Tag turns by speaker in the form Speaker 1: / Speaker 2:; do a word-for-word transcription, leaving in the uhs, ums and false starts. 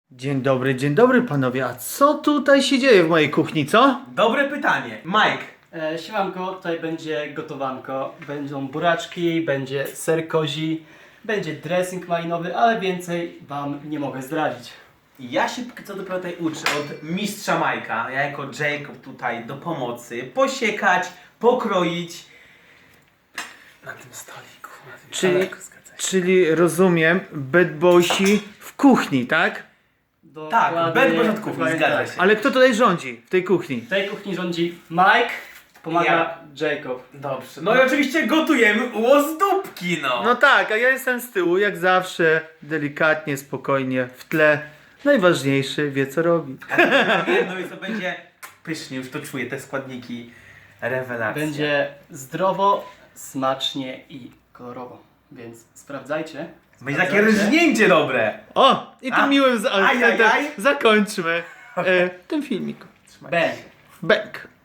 Speaker 1: Dzień dobry, dzień dobry panowie, a co tutaj się dzieje w mojej kuchni, co?
Speaker 2: Dobre pytanie. Mike.
Speaker 3: E, siemanko, tutaj będzie gotowanko. Będą buraczki, będzie ser kozi, będzie dressing malinowy, ale więcej wam nie mogę zdradzić.
Speaker 2: Ja się póki co dopiero tutaj uczę od mistrza Majka. Ja jako Jacob tutaj do pomocy. Posiekać, pokroić. Na tym stoliku. Na tym
Speaker 1: Czyli,
Speaker 2: stoliku, zgadza się.
Speaker 1: czyli rozumiem, bad boysi w kuchni, tak?
Speaker 2: Tak,
Speaker 3: Dokładnie-
Speaker 2: bad boys od kuchni,
Speaker 3: dokładnie
Speaker 2: zgadza
Speaker 3: tak.
Speaker 2: się.
Speaker 1: Ale kto tutaj rządzi w tej kuchni?
Speaker 3: W tej kuchni rządzi Mike, pomaga
Speaker 2: Ja.
Speaker 3: Jacob.
Speaker 2: Dobrze. No i oczywiście gotujemy łozdóbki, no.
Speaker 1: No tak, a ja jestem z tyłu, jak zawsze, delikatnie, spokojnie, w tle. Najważniejszy wie co robi.
Speaker 2: No i to będzie pysznie, już to czuję, te składniki. Rewelacja.
Speaker 3: Będzie zdrowo, smacznie i kolorowo. Więc sprawdzajcie.
Speaker 2: Będzie takie
Speaker 3: sprawdzajcie.
Speaker 2: rżnięcie dobre.
Speaker 1: O! I tym
Speaker 2: A,
Speaker 1: miłym za-
Speaker 2: ajajaj.
Speaker 1: zakończmy e, ten filmik.
Speaker 3: Bang.
Speaker 1: Bęk.